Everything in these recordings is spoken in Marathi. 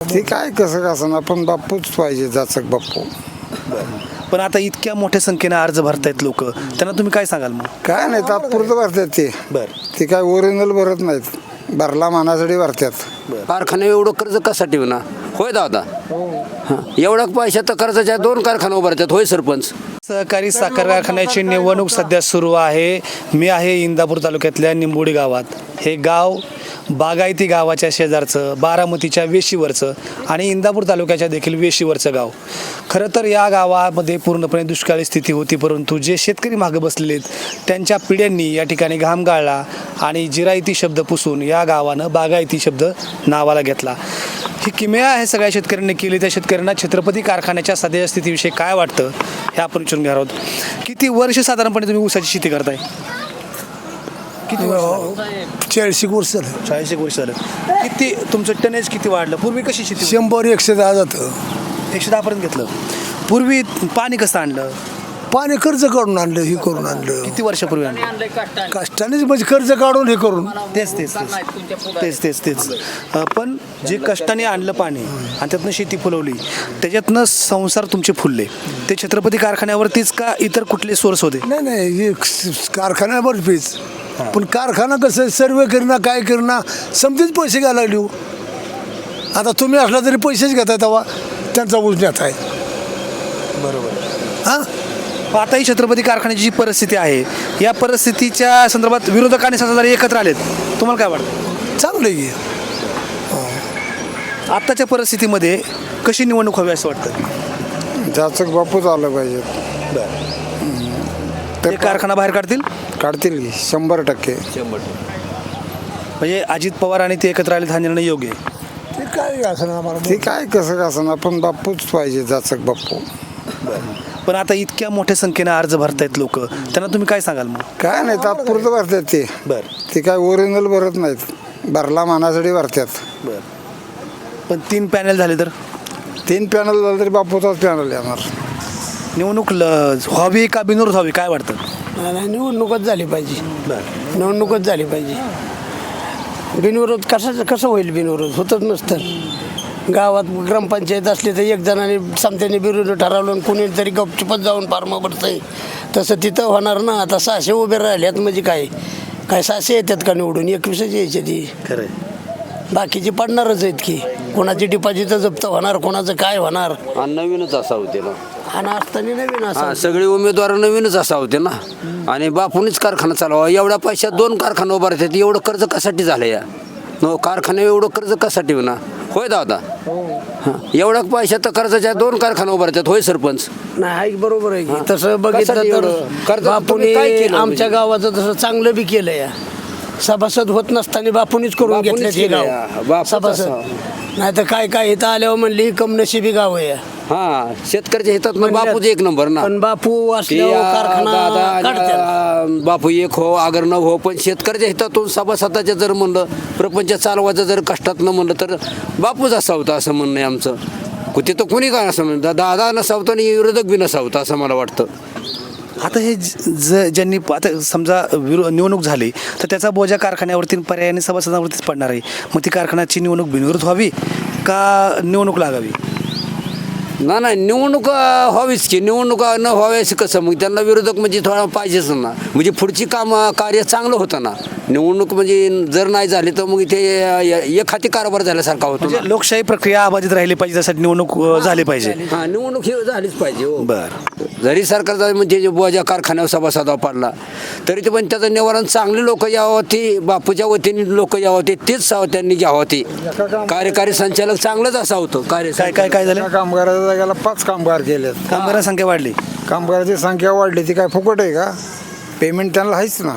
ते काय कसं कसं आपण बापूच पाहिजे, जाचक बापू. पण आता इतक्या मोठ्या संख्येने अर्ज भरतायत लोक, त्यांना तुम्ही काय सांगाल मग? काय नाही, तात्पुरतं भरतात ते. ते काय ओरिजिनल भरत नाहीत, भरला मानासाठी भरतात. कारखाने एवढं कर्ज कशासाठी होणार? होय दादा, एवढा पैसा तर कर्जाच्या 2 कारखाने उभारतात. होय सरपंच. सहकारी साखर कारखान्याची निवडणूक सध्या सुरू आहे. मी आहे इंदापूर तालुक्यातल्या निंबोडी गावात. हे गाव बागायती गावाच्या शेजारचं, बारामतीच्या वेशीवरचं आणि इंदापूर तालुक्याच्या देखील वेशीवरचं गाव. खरं तर या गावामध्ये पूर्णपणे दुष्काळी स्थिती होती, परंतु जे शेतकरी मागं बसलेले आहेत त्यांच्या पिढ्यांनी या ठिकाणी घाम गाळला आणि जिरायती शब्द पुसून या गावानं बागायती शब्द नावाला घेतला. ही किमया आहे सगळ्या शेतकऱ्यांनी केली. त्या शेतकऱ्यांना छत्रपती कारखान्याच्या सध्याच्या स्थितीविषयी काय वाटतं हे आपण विचारून घेणार आहोत. किती वर्ष साधारणपणे तुम्ही ऊसाची शेती करताय? किती वर्ष? 40 वर्ष झालं. 40 वर्ष झालं. किती तुमचं टनेज किती वाढलं? पूर्वी कशी शेती? 100-110 जातं. 110 पर्यंत घेतलं. पूर्वी पाणी कसं आणलं? पाणी कर्ज काढून आणलं, हे करून आणलं. किती वर्षापूर्वी आणलं? कष्टानेच म्हणजे कर्ज काढून हे करून. तेच पण जे कष्टाने आणलं पाणी आणि त्यातनं शेती फुलवली, त्याच्यातनं संसार तुमचे फुलले. ते छत्रपती कारखान्यावरतीच का इतर कुठले सोर्स होते? नाही हे कारखान्यावर फीज. पण कारखाना कसं सर्वे करणं काय करणं समजेच पैसे घ्यायला लागले हो. आता तुम्ही असला तरी पैसेच घेताय, तेव्हा त्यांचा उजण्यात आहे. बरोबर. हां, आता ही छत्रपती कारखान्याची जी परिस्थिती आहे, या परिस्थितीच्या संदर्भात विरोधकांनी सत्ताधारी एकत्र आलेत, तुम्हाला काय वाटतं? चांगलं आहे. आत्ताच्या परिस्थितीमध्ये कशी निवडणूक हवी असं वाटतं? जाचक बापूच आलं पाहिजे. ते कारखाना बाहेर काढतील की 100%. म्हणजे अजित पवार आणि ते एकत्र आलेत, हा निर्णय योग्य आहे. ते काय असं आम्हाला ते काय कसं कसं आपण बापूच पाहिजे, जाचक बापू. पण आता इतक्या मोठ्या संख्येने अर्ज भरतायत लोक, त्यांना तुम्ही काय सांगाल मग? काय नाही, तात्पुरतं भरतात ते. ते काय ओरिजिनल भरत नाहीत, भरला मानासाठी भरतात. पण 3 पॅनल झाले तर 3 पॅनल झालं तरी बापूचाच पॅनल येणार. निवडणूक व्हावी का बिनविरोध व्हावी, काय वाटतं? नाही, निवडणूकच झाली पाहिजे. निवडणूकच झाली पाहिजे. बिनविरोध कसं होईल? बिनविरोध होतच नसतं. गावात ग्रामपंचायत असली तर एक जणाने समत्याने विरोध ठरवलं, कुणी तरी गपचुपच जाऊन फार्म भरतंय. तसं तिथं होणार ना. आता 600 उभे राहिल्यात म्हणजे काय 600 येतात का निवडून? 21 यायचे ती. खरं बाकीचे पडणारच आहेत की. कोणाची डिपॉझिट जप्त होणार, कोणाचं काय होणार. आणि नवीनच असा होते ना. आणि असताना नवीन असं सगळे उमेदवार नवीनच असा होते ना. आणि बापूनच कारखाना चालवा. एवढ्या पैशात 2 कारखाने उभारतात. एवढं कर्ज कशासाठी झालं या? कारखाने एवढं कर्ज कशासाठी होणार? होय दादा, एवढा पैसा तर कर्जाच्या 2 कारखाने उभारतात. होय सरपंच. नाही, बरोबर आहे की. तसं बघितलं तर बापूने आमच्या गावाचं तसं चांगलं बी केलं या. सभासद होत नसताना बापूनीच करून घेतले हे गाव सभासद. नाही तर काय इथं आल्यावर म्हणली कमनशिबी गाव आहे. हा, शेतकऱ्याच्या हितात बापूच 1 नंबर ना. पण बापू असल्यावर कारखाना काढतात. बापू एक हो अगर न हो, पण शेतकऱ्याच्या हितातून सभासदाच्या जर म्हणलं, प्रपंच चालवायचं जर कष्टात न म्हणलं तर बापूच असा होता असं म्हणणं आहे आमचं. तिथं कोणी काय असं म्हणतं, दादा नसावतं आणि विरोधक बी नसावतं असं मला वाटतं. आता हे ज्यांनी आता समजा निवडणूक झाली तर त्याचा बोजा कारखान्यावरती पर्यायाने सभासदांवरतीच पडणार आहे. मग ती कारखान्याची निवडणूक बिनविरोध व्हावी का निवडणूक लागावी? नाही, निवडणूक व्हावीच की. निवडणूक न व्हाव्यास कसं मग? त्यांना विरोधक म्हणजे थोडा पाहिजेच ना. म्हणजे पुढची कार्य चांगलं होतं ना. निवडणूक म्हणजे जर नाही झाली तर मग इथे एक हाती कारभार झाल्यासारखा होतो. म्हणजे लोकशाही प्रक्रिया अबाधित राहिली पाहिजे, त्यासाठी निवडणूक झाली पाहिजे. हा, निवडणूक ही झालीच पाहिजे. बरं. जरी सरकारचा म्हणजे बोजा कारखान्यावर सभासदावर पडला तरी ते पण त्याचं निवारण चांगली लोक यावं, ती बापूच्या वतीने लोक यावं, तेच त्यांनी घ्यावं. ते कार्यकारी संचालक चांगलंच असं होतं. काय झालं? कामगाराच्या जागेला 5 कामगार केलेत. कामगारांची संख्या वाढली. कामगाराची संख्या वाढली, ती काय फुकट आहे का? पेमेंट त्यांना आहेच ना.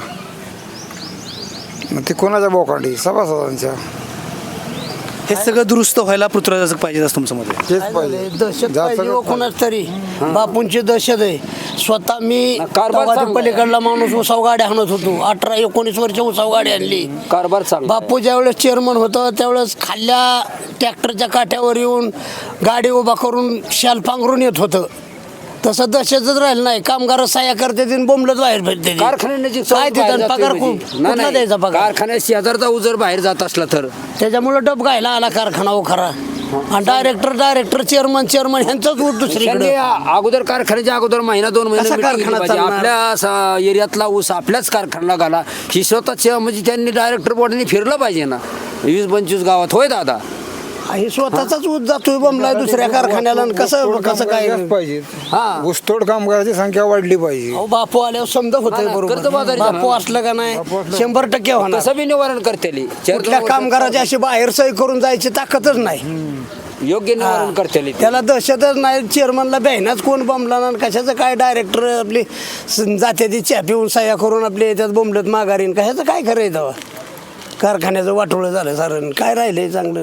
मग ते कोणाच्या बोकांडी? सभासदांच्या. हे सगळं दुरुस्त व्हायला पृथ्वीराज पाहिजे असं तुमचं मत आहे? तेच पाहिजे. दहशत पाहिजे हो कोणाच तरी. बापूंची दहशत आहे. स्वतः मी पलीकडला माणूस उसाव गाड्या आणत होतो. 18-19 वर्ष उसाव गाडी आणली. कारभार चांगला. बापू ज्यावेळेस चेअरमन होतं त्यावेळेस खाल्ल्या ट्रॅक्टरच्या काठ्यावर येऊन गाडी उभा करून शाल पांघरून येत होतं. तसं दहशतच राहिलं नाही. कामगार सह्या करते आणि बोंबलत बाहेर भेटते कारखान्याची काय देतात पगार कुठला द्यायचा पगार? कारखान्यात शेजारचा उजर बाहेर जात असला तर त्याच्यामुळे डब घायला आला कारखाना हो खरा. आणि डायरेक्टर चेअरमन ह्यांचाच ऊस दुसरीकडे. त्यांनी अगोदर कारखान्याच्या अगोदर महिना 2 महिने कसा meeting घेतली कारखाना पाहिजे. चालणार? आपल्या एरियातला ऊस आपल्याच कारखान्याला घाला ही स्वतःच्या म्हणजे त्यांनी डायरेक्टर बोर्डाने फिरलं पाहिजे ना. 20-25 गावात होय दादा. हे स्वतःचाच ऊस जातोय बोंबलाय दुसऱ्या कारखान्याला. आणि कसं काय पाहिजे. हा ऊसतोड कामगाराची संख्या वाढली पाहिजे. अहो बापू आल्यावर समजा होतंय बरोबर. कर्जबाजारी बापू असलं का नाही 100% होणार. कसं बी निवारण करते कुठल्या कामगाराची अशी बाहेर सही करून जायची ताकदच नाही. योग्य निवारण करते त्याला दहशतच नाही. चेअरमनला बहिणाच कोण बोंबला ना कशाचं काय. डायरेक्टर आपली जाते ती चहा पिऊन सह्या करून आपले याच्यात बोंबलत माघारीन. कशाचं काय खरंय तेव्हा. कारखान्याचं वाटोळं झालं सारण. काय राहिलंय चांगलं.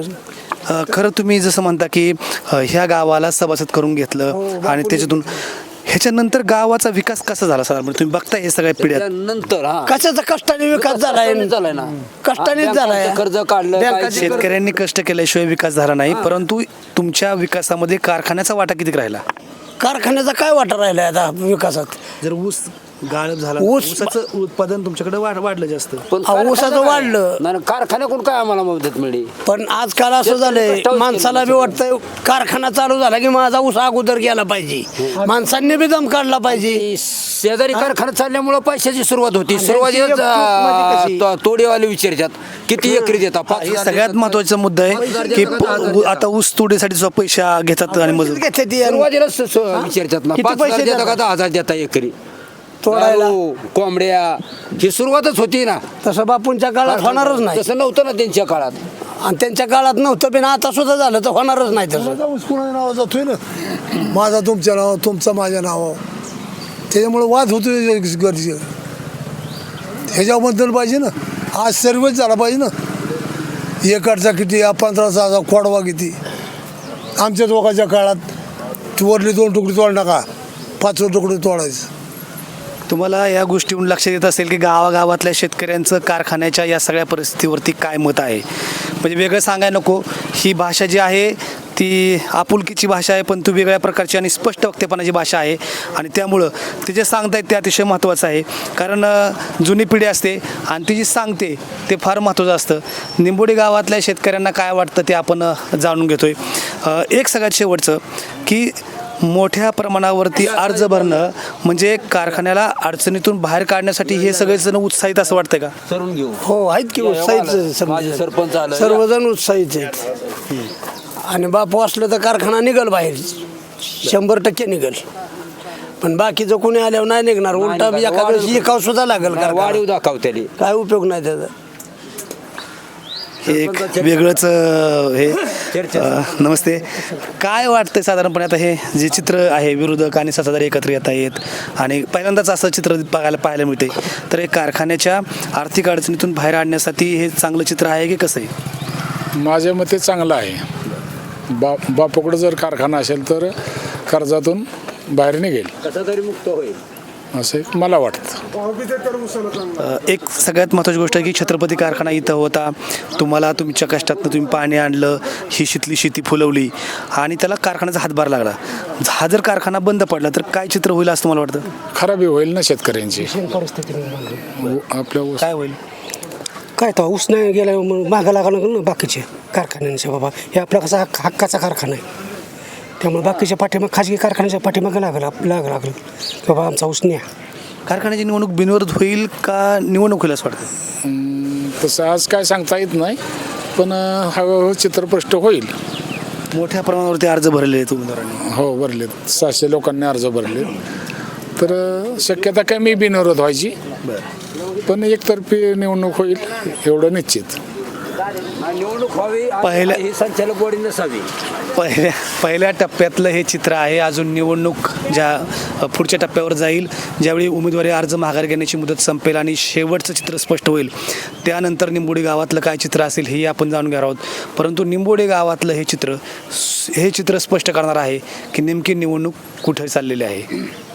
खरं तुम्ही जसं म्हणता की ह्या गावाला सभासद करून घेतलं आणि त्याच्यातून ह्याच्यानंतर गावाचा विकास कसा झाला सर? तुम्ही बघता हे सगळ्या पिढ्या नंतर कशाचा कष्टाने विकास झालाय ना कष्टानेच झालाय. कर्ज काढलं काय शेतकऱ्यांनी कष्ट केल्याशिवाय विकास झाला नाही. परंतु तुमच्या विकासामध्ये कारखान्याचा वाटा किती राहिला? कारखान्याचा काय वाटा राहिलाय आता विकासात? जर ऊस गाळप झाला, ऊसाचं उत्पादन तुमच्याकडे वाढलं जास्त. ऊसाचं वाढलं. नाही कारखान्याकडून काय आम्हाला मदत मिळेल? पण आजकाल असं झालंय माणसाला बी वाटतंय कारखाना चालू झाला की माझा ऊस अगोदर गेला पाहिजे. माणसांनी बी दम काढला पाहिजे. शेजारी कारखाना चालल्यामुळे पैशाची सुरुवात होती. म्हणजे सुरुवातीला तोडेवाले विचारतात किती एकरी देतात. हे सगळ्यात महत्वाचा मुद्दा आहे की आता ऊस तोडीसाठी सुद्धा पैसा घेतात आणि मजूर घेते ती. सुरुवातीला विचारतात ना किती 5,000 पैसे देता का देतात? 10,000 देता एकरी तोडायला. दारू, कोंबड्या ही सुरुवातच होती ना. तसं बापूंच्या काळात होणारच नाही. तसं नव्हतं ना त्यांच्या काळात. आणि त्यांच्या काळात नव्हतं पण आता सुद्धा झालं तर होणारच नाही तसं. माझा ऊस कोणाच्या नावावर जातोय ना. माझा तुमच्या नाव तुमचा माझ्या नावावर. त्याच्यामुळे वाद होतोय गरजे. ह्याच्याबद्दल पाहिजे ना. आज सर्वच झाला पाहिजे ना. एकरचा किती 15,000 खोडवा किती. आमच्या दोघांच्या काळात वरली 2 तुकडे तोड नका 5 तुकडे तोडायचं. तुम्हाला या गोष्टीवरून लक्षात येत असेल की गावागावातल्या शेतकऱ्यांचं कारखान्याच्या या सगळ्या परिस्थितीवरती काय मत आहे. म्हणजे वेगळं सांगायला नको. ही भाषा जी आहे ती आपुलकीची भाषा आहे, पण ती वेगळ्या प्रकारची आणि स्पष्ट वक्तेपणाची भाषा आहे. आणि त्यामुळं ते जे सांगतायत ते अतिशय महत्त्वाचं आहे. कारण जुनी पिढी असते आणि ती जी सांगते ते फार महत्त्वाचं असतं. निंबोडी गावातल्या शेतकऱ्यांना काय वाटतं ते आपण जाणून घेतोय. एक सगळ्यात शेवटचं की मोठ्या प्रमाणावरती अर्ज भरणं म्हणजे कारखान्याला अडचणीतून बाहेर काढण्यासाठी हे सगळेजण उत्साहित असं वाटतंय का? करून घेऊ. हो आहेत की उत्साहीच. माझे सरपंच आलं. सर्वजण उत्साहीच आहेत. आणि बापू असलं तर कारखाना निघल बाहेर 100% निघल. पण बाकीचं कोणी आल्यावर नाही निघणार. उलटा एका दिवशी एकाव सुद्धा लागेल. वाढीव दाखवतेली काय उपयोग नाही त्याचा. एक वेगळंच नमस्ते. काय वाटतंय साधारणपणे आता हे जे चित्र आहे विरोधक आणि सत्ताधारी एकत्र येत आहेत आणि पहिल्यांदाच असं चित्र पाहायला मिळते, तर हे कारखान्याच्या आर्थिक अडचणीतून बाहेर आणण्यासाठी हे चांगलं चित्र आहे की कसं आहे? माझ्या मते चांगलं आहे. बापूकडे जर कारखाना असेल तर कर्जातून बाहेर निघेल कसा तरी मुक्त होईल असे मला वाटतं. एक सगळ्यात महत्त्वाची गोष्ट आहे की छत्रपती कारखाना इथं होता. तुम्हाला तुमच्या कष्टातनं तुम्ही पाणी आणलं, ही शितली शेती फुलवली आणि त्याला कारखान्याचा हातभार लागला. हा जर कारखाना बंद पडला तर काय चित्र होईल असं तुम्हाला वाटतं? खराबी होईल ना शेतकऱ्यांची. आपल्या काय होईल? काय तर ऊस नाही गेला मग मागं लागावं लागलं ना बाकीचे कारखान्यांचे. बाबा हे आपला कसा हक्काचा कारखाना आहे. त्यामुळे बाकीच्या पाठीमाग खाजगी कारखान्याच्या पाठीमागं लागलं बाबा आमचा ऊस न्या. कारखान्याची निवडणूक बिनविरोध होईल का निवडणूक होईल असं वाटतं? तसं आज काय सांगता येत नाही, पण हळूहळू चित्र स्पष्ट होईल. मोठ्या प्रमाणावरती अर्ज भरले आहेत उमेदवारांनी. हो भरलेत. 600 लोकांनी अर्ज भरले. तर शक्यता काय मी बिनविरोध व्हायची, पण एकतर्फी निवडणूक होईल एवढं निश्चित. निवडणूक व्हावी पहिल्या- ही संचालक बॉडी नसावी. पहिल्या टप्प्यातलं हे चित्र आहे. अजून निवडणूक ज्या पुढच्या टप्प्यावर जाईल, ज्यावेळी उमेदवारी अर्ज माघार घेण्याची मुदत संपेल आणि शेवटचं चित्र स्पष्ट होईल, त्यानंतर निंबोडी गावातलं काय चित्र असेल हे आपण जाणून घेणार आहोत. परंतु निंबोडी गावातलं हे चित्र स्पष्ट करणार आहे की नेमकी निवडणूक कुठे चाललेली आहे.